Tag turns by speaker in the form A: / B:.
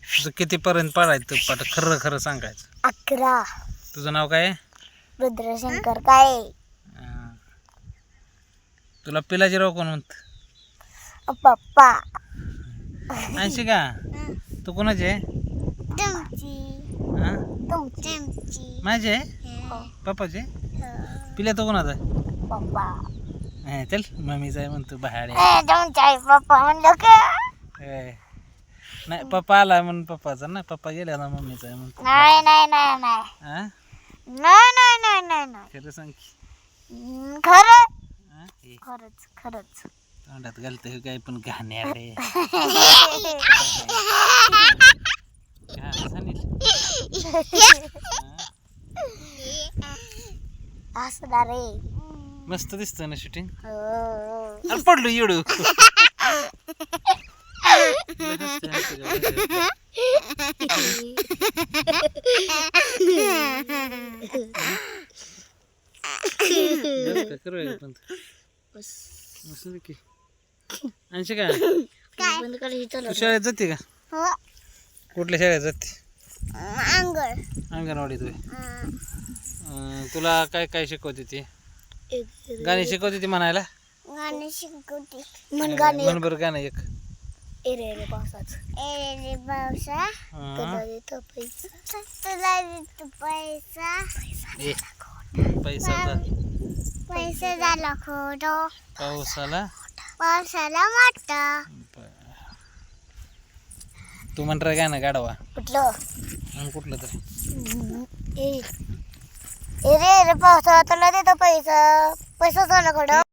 A: तुझं कितीपर्यंत पडायचं पाठ खरं खरं सांगायचं.
B: 11.
A: तुझं नाव काय आहे?
B: रुद्रशंकर काय
A: तुला पिलाजीराव कोण म्हणत?
B: पप्पा.
A: ऐंशी का तू कोणाची आहे?
B: तुमची.
A: हा
B: तुमची.
A: माझी आहे पप्पाची. पिल्या तो कोणाचा आहे?
B: पप्पा.
A: चल मम्मीचा आहे म्हणतो बाहेर.
B: तुमच्या पप्पा म्हणलं का?
A: नाही पप्पा आला म्हणून पप्पाचा ना. पप्पा गेला ना मम्मीचा आहे म्हणतो.
B: नाही नाही नाही नाही
A: हा
B: नाही नाही नाही नाही नाही
A: खरं सांग की.
B: खरं
A: हा? हे
B: खरंच खरंच.
A: तोंडात घालतं काय पण घाण्याकडे
B: असणार रे.
A: मस्त दिसतं ना शूटिंग.
B: हो.
A: पडलो येडू. ऐंशी का
B: बंद करायचं.
A: तू शाळेत जाते का?
B: हो.
A: कुठल्या शाळेत जाते?
B: अंगण.
A: अंगणवाडीत होय. तुला काय काय शिकवते ती? गाणी शिकवते ती म्हणायला?
B: गाणे शिकवते. म्हण गाणे.
A: म्हण बरं गाणं एक.
B: एरे रे पावसाच. एरे रे पावसा. तुला देतो पैसा. तुला देतो पैसा.
A: ए, पैसा
B: पैसा झाला खोटो.
A: पावसाला
B: पावसाला मोठा.
A: तू म्हणता गाणं गाडवा
B: कुठलं?
A: कुठलं तर
B: ए रे रे पावसा तुला देतो पैसा. पैसा झाला खोटो.